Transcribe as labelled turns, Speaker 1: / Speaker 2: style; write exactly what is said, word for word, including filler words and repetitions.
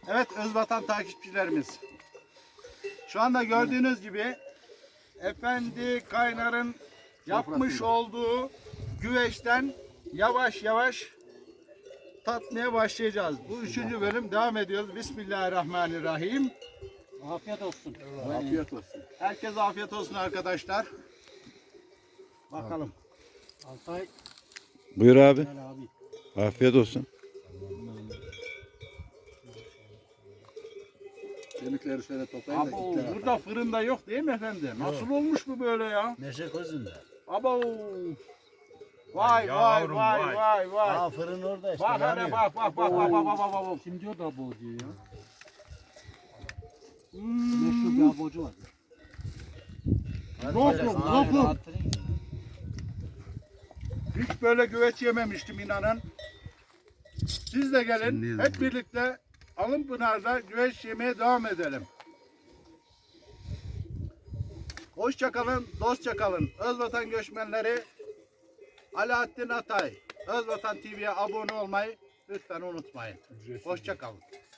Speaker 1: Evet Özvatan takipçilerimiz. Şu anda gördüğünüz gibi Efendi Kaynar'ın yapmış olduğu güveçten yavaş yavaş tatmaya başlayacağız. Bu üçüncü bölüm devam ediyoruz. Bismillahirrahmanirrahim.
Speaker 2: Afiyet olsun.
Speaker 3: Afiyet olsun.
Speaker 1: Herkese afiyet olsun arkadaşlar. Bakalım.
Speaker 2: Altay.
Speaker 4: Buyur abi.
Speaker 2: Gel abi.
Speaker 4: Afiyet olsun.
Speaker 3: Kemikleri şöyle toplayın da
Speaker 1: Abo,
Speaker 3: gittiler.
Speaker 1: burada fırında yok değil mi efendim? Nasıl olmuş bu böyle ya?
Speaker 2: Meşe közünde.
Speaker 1: Abo. Vay vay vay vay vay.
Speaker 2: Aa fırın orada işte.
Speaker 1: Bak hele bak bak bak bak bak bak bak bak.
Speaker 2: Kim diyor da abo diyor ya.
Speaker 1: Hmm.
Speaker 2: Meşhur bir abocu var.
Speaker 1: Lokum lokum. Hiç böyle güveç yememiştim inanın. Siz de gelin hep birlikte Alınpınar'da güveç yemeye devam edelim. Hoşça kalın, dostça kalın. Özvatan göçmenleri Alaaddin Atay, Özvatan T V'ye abone olmayı lütfen unutmayın. Hoşça kalın.